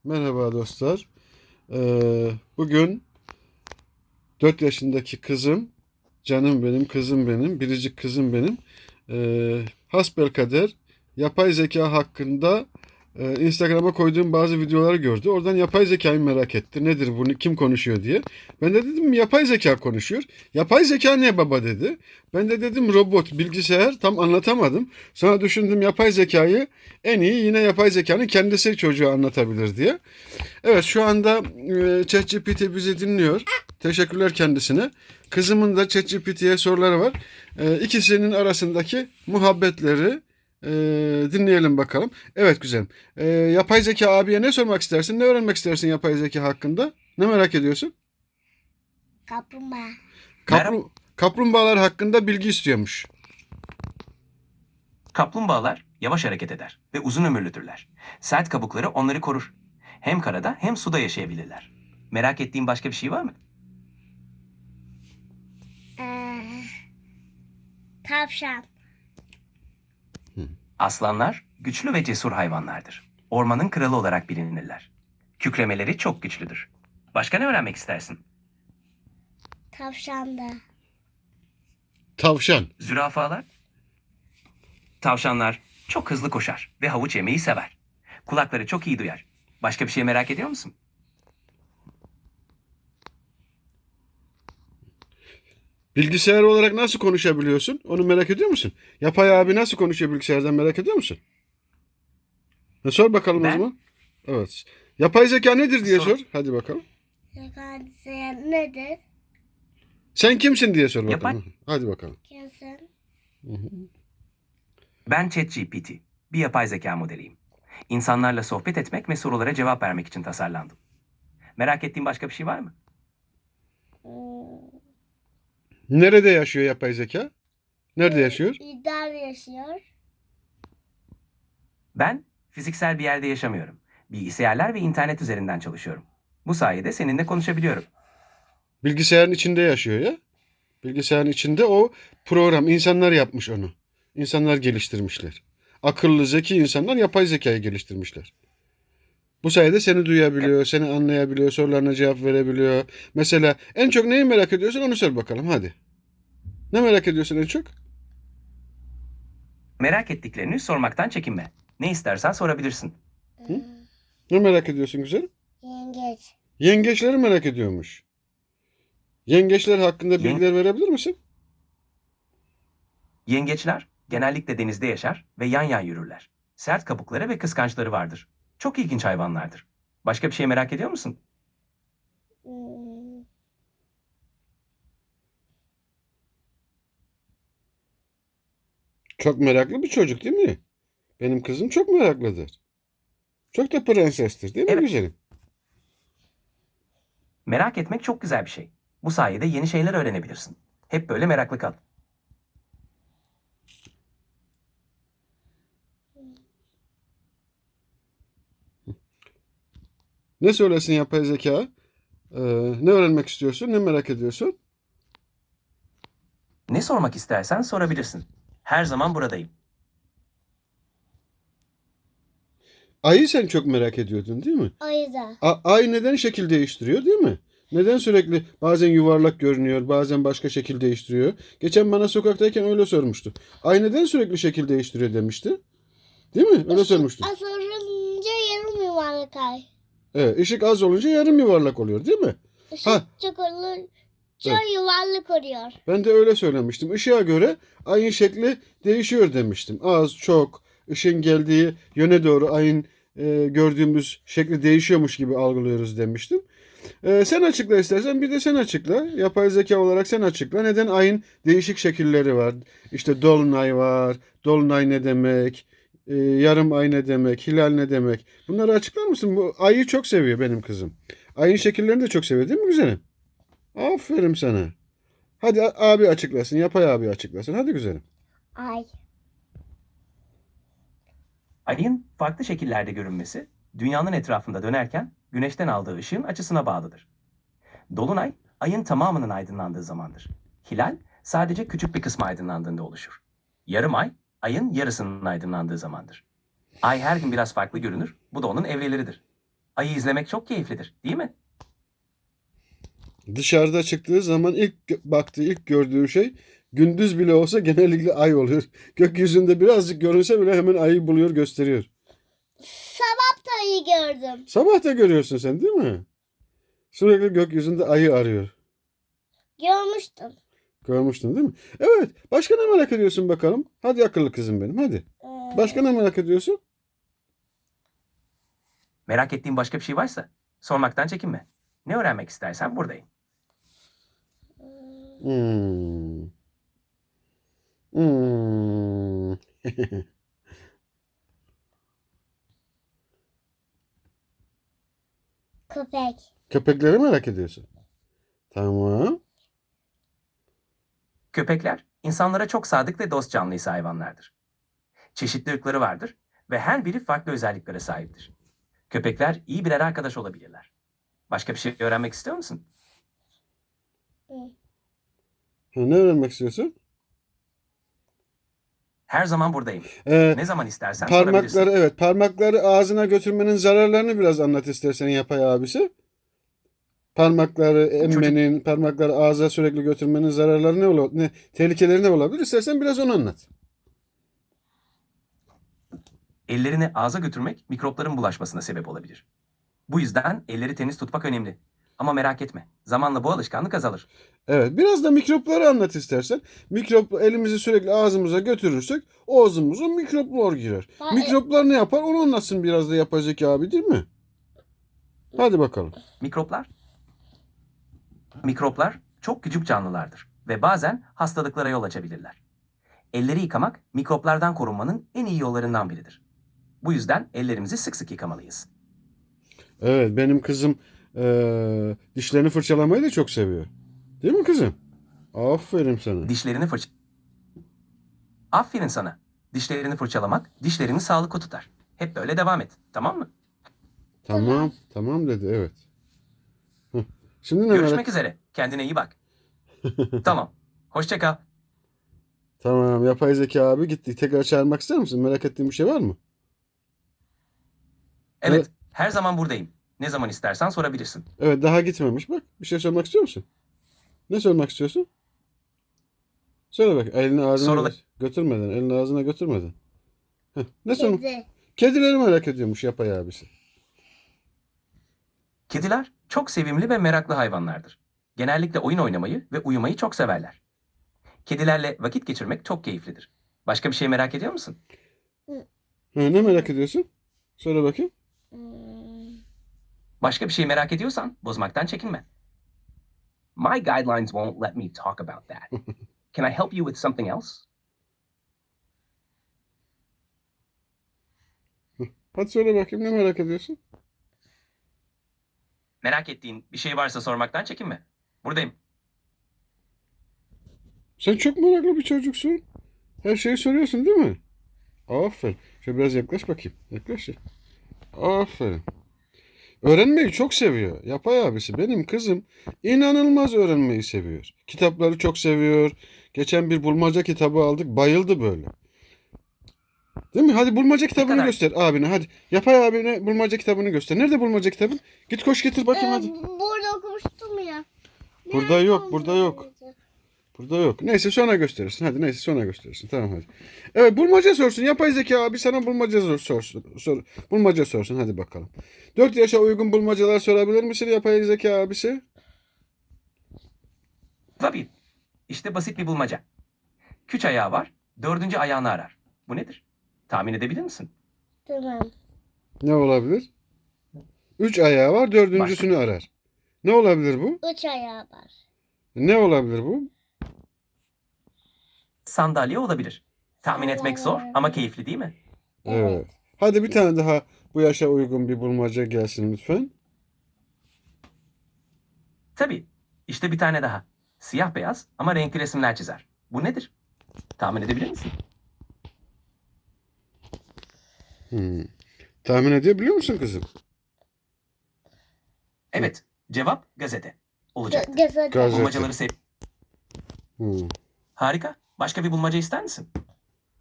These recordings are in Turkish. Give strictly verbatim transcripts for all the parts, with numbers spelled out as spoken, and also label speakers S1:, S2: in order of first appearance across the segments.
S1: Merhaba dostlar. Ee, bugün dört yaşındaki kızım, canım benim, kızım benim, biricik kızım benim. Ee, hasbelkader yapay zeka hakkında e, Instagram'a koyduğum bazı videoları gördü. Oradan yapay zekayı merak etti. Nedir bunu, kim konuşuyor diye. Ben de dedim yapay zeka konuşuyor. Yapay zeka ne baba dedi. Ben de dedim robot, bilgisayar, tam anlatamadım. Sonra düşündüm yapay zekayı en iyi yine yapay zekanın kendisi çocuğa anlatabilir diye. Evet, şu anda e, ChatGPT bizi dinliyor. Teşekkürler kendisine. Kızımın da ChatGPT'ye soruları var. E, ikisinin arasındaki muhabbetleri e, dinleyelim bakalım. Evet güzelim. E, yapay zeka abiye ne sormak istersin? Ne öğrenmek istersin yapay zeka hakkında? Ne merak ediyorsun?
S2: Kaplumbağa.
S1: Kaplu kaplumbağalar hakkında bilgi istiyormuş.
S3: Kaplumbağalar yavaş hareket eder ve uzun ömürlüdürler. Sert kabukları onları korur. Hem karada hem suda yaşayabilirler. Merak ettiğin başka bir şey var mı?
S2: Ee, tavşan.
S3: Aslanlar güçlü ve cesur hayvanlardır. Ormanın kralı olarak bilinirler. Kükremeleri çok güçlüdür. Başka ne öğrenmek istersin?
S2: Tavşan da.
S1: Tavşan.
S3: Zürafalar? Tavşanlar çok hızlı koşar ve havuç yemeyi sever. Kulakları çok iyi duyar. Başka bir şey merak ediyor musun?
S1: Bilgisayar olarak nasıl konuşabiliyorsun? Onu merak ediyor musun? Yapay abi nasıl konuşuyor bilgisayardan merak ediyor musun? Ha, sor bakalım o
S3: Ben-
S1: zaman. Evet. Yapay zeka nedir diye
S3: Sor.
S1: sor. Hadi bakalım.
S2: Yakadise nedir?
S1: Sen kimsin diye sor bakalım.
S3: Yapay-
S1: Hadi bakalım.
S2: Kimsin?
S3: Ben ChatGPT, bir yapay zeka modeliyim. İnsanlarla sohbet etmek ve sorulara cevap vermek için tasarlandım. Merak ettiğin başka bir şey var mı?
S2: Hmm,
S1: Nerede yaşıyor yapay zeka? Nerede yaşıyor?
S2: İdar yaşıyor.
S3: Ben fiziksel bir yerde yaşamıyorum. Bilgisayarlar ve internet üzerinden çalışıyorum. Bu sayede seninle konuşabiliyorum.
S1: Bilgisayarın içinde yaşıyor ya. Bilgisayarın içinde o program. İnsanlar yapmış onu. İnsanlar geliştirmişler. Akıllı, zeki insanlar yapay zekayı geliştirmişler. Bu sayede seni duyabiliyor, seni anlayabiliyor, sorularına cevap verebiliyor. Mesela en çok neyi merak ediyorsun onu sor bakalım hadi. Ne merak ediyorsun en çok?
S3: Merak ettiklerini sormaktan çekinme. Ne istersen sorabilirsin.
S2: Hmm,
S1: Ne merak ediyorsun güzelim?
S2: yengeç.
S1: Yengeçleri merak ediyormuş. Yengeçler hakkında
S3: Yen-
S1: bilgiler verebilir misin?
S3: Yengeçler genellikle denizde yaşar ve yan yan yürürler. Sert kabukları ve kıskançları vardır. Çok ilginç hayvanlardır. Başka bir şey merak ediyor musun?
S2: Hmm,
S1: Çok meraklı bir çocuk değil mi? Benim kızım çok meraklıdır. Çok da prensestir değil mi
S3: Evet.
S1: güzelim?
S3: Merak etmek çok güzel bir şey. Bu sayede yeni şeyler öğrenebilirsin. Hep böyle meraklı kal.
S1: Ne söylesin yapay zeka? Ee, ne öğrenmek istiyorsun? Ne merak ediyorsun?
S3: Ne sormak istersen sorabilirsin. Her zaman buradayım.
S1: Ayı sen çok merak ediyordun değil mi?
S2: ayı da.
S1: A- ay neden şekil değiştiriyor değil mi? Neden sürekli bazen yuvarlak görünüyor, bazen başka şekil değiştiriyor? Geçen bana sokaktayken öyle sormuştu. Ay neden sürekli şekil değiştiriyor demişti. Değil mi? Öyle sormuştu.
S2: Az olunca yarım yuvarlak ay.
S1: Evet, ışık az olunca yarım yuvarlak oluyor değil mi?
S2: Işık
S1: Ha.
S2: çok olunca
S1: Evet.
S2: yuvarlak oluyor.
S1: Ben de öyle söylemiştim. Işığa göre ayın şekli değişiyor demiştim. Az, çok, ışın geldiği yöne doğru ayın e, gördüğümüz şekli değişiyormuş gibi algılıyoruz demiştim. E, sen açıkla istersen bir de sen açıkla. Yapay zeka olarak sen açıkla. Neden ayın değişik şekilleri var? İşte dolunay var. Dolunay ne demek? E, yarım ay ne demek? Hilal ne demek? Bunları açıklar mısın? Bu ayı çok seviyor benim kızım. Ayın şekillerini de çok seviyor değil mi güzelim? Aferin sana. Hadi a- abi açıklasın. Yapay abi açıklasın. Hadi güzelim.
S2: Ay.
S3: Ayın farklı şekillerde görünmesi, dünyanın etrafında dönerken güneşten aldığı ışığın açısına bağlıdır. Dolunay, ayın tamamının aydınlandığı zamandır. Hilal, sadece küçük bir kısmı aydınlandığında oluşur. Yarım ay, ayın yarısının aydınlandığı zamandır. Ay her gün biraz farklı görünür, bu da onun evreleridir. Ayı izlemek çok keyiflidir, değil mi?
S1: Dışarıda çıktığı zaman ilk gö- baktığı, ilk gördüğü şey gündüz bile olsa genellikle ay oluyor. Gökyüzünde birazcık görünse bile hemen ayı buluyor, gösteriyor.
S2: Sabah da iyi gördüm.
S1: Sabah da görüyorsun sen değil mi? Sürekli gökyüzünde ayı arıyor.
S2: Görmüştüm.
S1: Görmüştün değil mi? Evet. Başka ne merak ediyorsun bakalım? Hadi akıllı kızım benim hadi.
S2: Ee,
S1: Başka ne merak ediyorsun?
S3: Merak ettiğin başka bir şey varsa sormaktan çekinme. Ne öğrenmek istersen buradayım.
S1: Hmm. Hmm.
S2: Köpek.
S1: Köpekleri merak ediyorsun. Tamam.
S3: Köpekler insanlara çok sadık ve dost canlısı hayvanlardır. Çeşitli ırkları vardır ve her biri farklı özelliklere sahiptir. Köpekler iyi birer arkadaş olabilirler. Başka bir şey öğrenmek istiyor musun?
S1: Ha, ne öğrenmek istiyorsun?
S3: Her zaman buradayım.
S1: Ee,
S3: Ne zaman istersen sorabilirsin.
S1: parmakları evet parmakları ağzına götürmenin zararlarını biraz anlat istersen yapay abisi. Parmakları emmenin, parmakları ağza sürekli götürmenin zararları ne olur, ne tehlikeleri ne olabilir? İstersen biraz onu anlat.
S3: Ellerini ağza götürmek mikropların bulaşmasına sebep olabilir. Bu yüzden elleri temiz tutmak önemli. Ama merak etme, zamanla bu alışkanlık azalır.
S1: Evet, biraz da mikropları anlat istersen. Mikrop elimizi sürekli ağzımıza götürürsek ağzımıza mikroplar girer.
S2: Ha,
S1: Mikroplar ne yapar? Onu anlatsın biraz da yapay zeka abi değil mi? Hadi bakalım.
S3: Mikroplar, mikroplar çok küçük canlılardır ve bazen hastalıklara yol açabilirler. Elleri yıkamak mikroplardan korunmanın en iyi yollarından biridir. Bu yüzden ellerimizi sık sık yıkamalıyız.
S1: Evet, benim kızım eee, dişlerini fırçalamayı da çok seviyor. Değil mi kızım? Aferin sana.
S3: Dişlerini fırça... Aferin sana. Dişlerini fırçalamak dişlerini sağlıklı tutar. Hep böyle devam et, tamam mı?
S1: Tamam, tamam dedi evet. Heh. Şimdi ne
S3: Görüşmek
S1: merak?
S3: üzere. Kendine iyi bak. Tamam. Hoşça kal.
S1: Tamam, yapay zeka abi gitti. Tekrar çağırmak ister misin? Merak ettiğin bir şey var mı?
S3: Evet, her zaman buradayım. Ne zaman istersen sorabilirsin.
S1: Evet, daha gitmemiş. Bak, bir şey sormak istiyor musun? Ne sormak istiyorsun? Söyle bak, elini ağzına
S3: Sorula-
S1: gö- götürmeden, elini ağzına götürmeden. Heh, ne sormak?
S2: Kedi.
S1: Kedileri merak ediyormuş yapay abisi.
S3: Kediler çok sevimli ve meraklı hayvanlardır. Genellikle oyun oynamayı ve uyumayı çok severler. Kedilerle vakit geçirmek çok keyiflidir. Başka bir şey merak ediyor musun?
S1: Ha, ne merak ediyorsun? Söyle bakayım.
S2: Hmm,
S3: Başka bir şey merak ediyorsan bozmaktan çekinme. My guidelines won't let me talk about that. Can I help you with something else?
S1: Hadi söyle bakayım ne merak ediyorsun?
S3: Merak ettiğin bir şey varsa sormaktan çekinme. Buradayım.
S1: Sen çok meraklı bir çocuksun. Her şeyi soruyorsun değil mi? Aferin. Şöyle biraz yaklaş bakayım. Yaklaş ya. Aferin. Öğrenmeyi çok seviyor. Yapay abisi. Benim kızım inanılmaz öğrenmeyi seviyor. Kitapları çok seviyor. Geçen bir bulmaca kitabı aldık. Bayıldı böyle. Değil mi? Hadi bulmaca kitabını
S3: kadar?
S1: göster abine. Hadi. Yapay abine bulmaca kitabını göster. Nerede bulmaca kitabın? Git koş getir bakayım hadi.
S2: Ee, burada okumuştum ya.
S1: Burada
S2: Nerede
S1: yok, burada
S2: olmalı
S1: yok.
S2: acaba?
S1: Burada yok. Neyse sonra gösterirsin. Hadi neyse sonra gösterirsin. Tamam hadi. Evet bulmaca sorsun. Yapay zeka abi sana bulmaca sor, sorsun. Sor, bulmaca sorsun. Hadi bakalım. Dört yaşa uygun bulmacalar sorabilir misin yapay zeka abisi?
S3: Tabii. İşte basit bir bulmaca. Küç ayağı var, dördüncü ayağını arar. Bu nedir? Tahmin edebilir misin?
S2: Tamam.
S1: Ne olabilir? Üç ayağı var. Dördüncüsünü arar. Ne olabilir bu?
S2: Üç ayağı var.
S1: Ne olabilir bu?
S3: Sandalye olabilir. Tahmin etmek zor ama keyifli değil mi?
S1: Evet. Hadi bir tane daha bu yaşa uygun bir bulmaca gelsin lütfen.
S3: Tabii. İşte bir tane daha. Siyah beyaz ama renkli resimler çizer. Bu nedir? Tahmin edebilir misin?
S1: Hmm. Tahmin edebiliyor musun kızım?
S3: Evet. Cevap gazete. Olacaktı.
S2: Gö- Gazete.
S1: Gazete.
S3: Bulmacaları sev.
S1: Hmm.
S3: Harika. Başka bir bulmaca ister misin?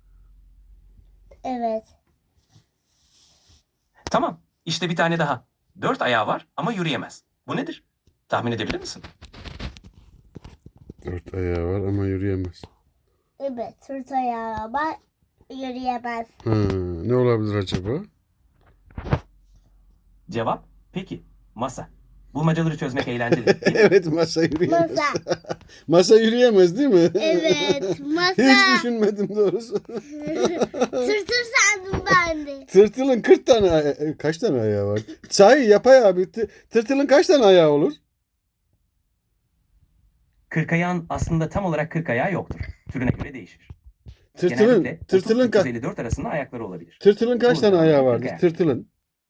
S2: Evet.
S3: Tamam. İşte bir tane daha. Dört ayağı var ama yürüyemez. Bu nedir? Tahmin edebilir misin?
S1: Dört ayağı var ama yürüyemez.
S2: Evet. Sırt ayağı var. Yürüyemez.
S1: Ha, ne olabilir acaba?
S3: Cevap, peki, masa. Bulmacaları çözmek eğlenceli değil mi?
S1: Evet, masa yürüyemez.
S2: Masa.
S1: Masa yürüyemez değil mi?
S2: Evet. Masa.
S1: Hiç düşünmedim doğrusu.
S2: Tırtır sandım ben de.
S1: Tırtılın kırk tane aya- kaç tane ayağı var? Sahi yapay abi. tı- Tırtılın kaç tane ayağı olur?
S3: Kırk ayağın aslında tam olarak kırk ayağı yoktur. Türüne göre değişir.
S1: Tırtılın
S3: Genellikle
S1: tırtılın ka-
S3: otuz yüz elli dört arasında ayakları olabilir.
S1: tırtılın kaç
S3: Bu
S1: tane
S3: durumda
S1: ayağı
S3: kırk
S1: vardır?
S3: ayak.
S1: Tırtılın.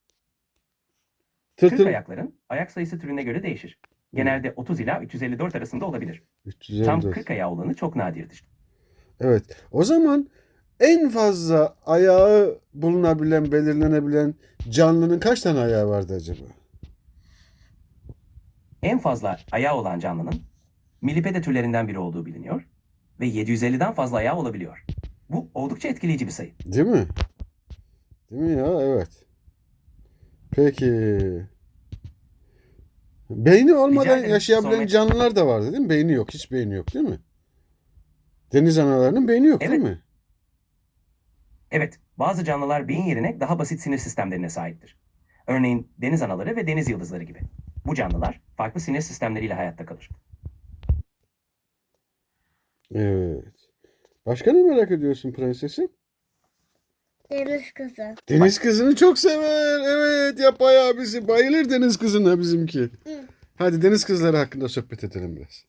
S3: kırk
S1: Tırtıl
S3: ayakların ayak sayısı türüne göre değişir. Genelde otuz ila üç yüz elli dört arasında olabilir.
S1: üç yüz elli
S3: Tam
S1: dört.
S3: kırk ayağı olanı çok nadirdir.
S1: Evet. O zaman en fazla ayağı bulunabilen, belirlenebilen canlının kaç tane ayağı vardı acaba?
S3: En fazla ayağı olan canlının millipede türlerinden biri olduğu biliniyor ve yedi yüz elliden fazla ayağı olabiliyor. Bu oldukça etkileyici bir sayı.
S1: Değil mi? Değil mi ya? Evet. Peki. Beyni olmadan
S3: ederim.
S1: yaşayabilen
S3: Sormak-
S1: canlılar da vardı değil mi? Beyni yok. Hiç beyni yok değil mi? Deniz analarının beyni yok değil
S3: Evet.
S1: mi?
S3: Evet, bazı canlılar beyin yerine daha basit sinir sistemlerine sahiptir. Örneğin deniz anaları ve deniz yıldızları gibi. Bu canlılar farklı sinir sistemleriyle hayatta kalır.
S1: Evet. Başka ne merak ediyorsun prensesim?
S2: Deniz kızı.
S1: Deniz kızını çok sever. Evet, yapay abisi bayılır deniz kızına bizimki.
S2: Hı.
S1: Hadi deniz kızları hakkında sohbet edelim biraz.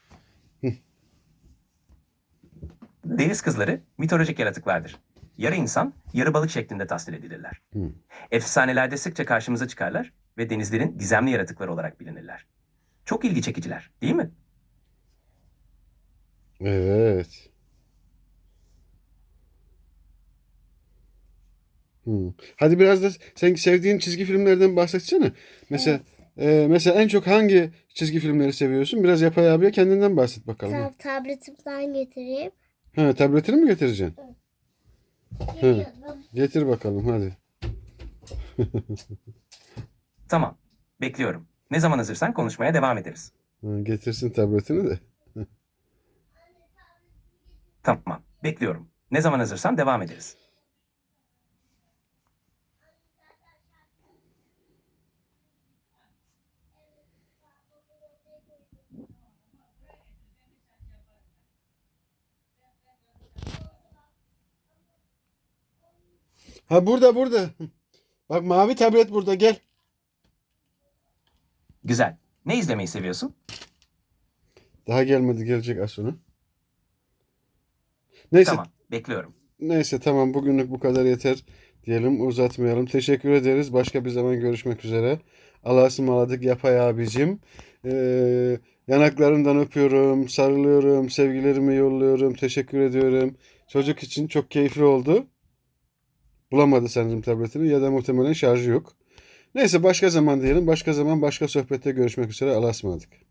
S3: Deniz kızları mitolojik yaratıklardır. Yarı insan, yarı balık şeklinde tasvir edilirler.
S1: Hı.
S3: Efsanelerde sıkça karşımıza çıkarlar ve denizlerin gizemli yaratıkları olarak bilinirler. Çok ilgi çekiciler, değil mi?
S1: Evet. Hı. Hadi biraz da sen sevdiğin çizgi filmlerden bahsetsene. Mesela e, mesela en çok hangi çizgi filmleri seviyorsun? Biraz yapay abiye kendinden bahset bakalım.
S2: Tab tabletimden getireyim.
S1: Ha, tabletini mi getireceksin?
S2: Geliyorum.
S1: Getir bakalım hadi.
S3: Tamam, bekliyorum. Ne zaman hazırsan konuşmaya devam ederiz.
S1: Ha, getirsin tabletini de.
S3: Tamam, bekliyorum. Ne zaman hazırsan devam ederiz.
S1: Ha, burada burada. Bak, mavi tablet burada, gel.
S3: Güzel. Ne izlemeyi seviyorsun?
S1: Daha gelmedi, gelecek az sonra. Neyse.
S3: Tamam, bekliyorum.
S1: Neyse tamam, bugünlük bu kadar yeter diyelim, uzatmayalım. Teşekkür ederiz. Başka bir zaman görüşmek üzere. Allah'a ısmarladık yapay abicim. Ee, yanaklarından öpüyorum, sarılıyorum, sevgilerimi yolluyorum. Teşekkür ediyorum. Çocuk için çok keyifli oldu. Bulamadı sanırım tabletini ya da muhtemelen şarjı yok. Neyse başka zaman diyelim. Başka zaman başka sohbette görüşmek üzere. Allah'a ısmarladık.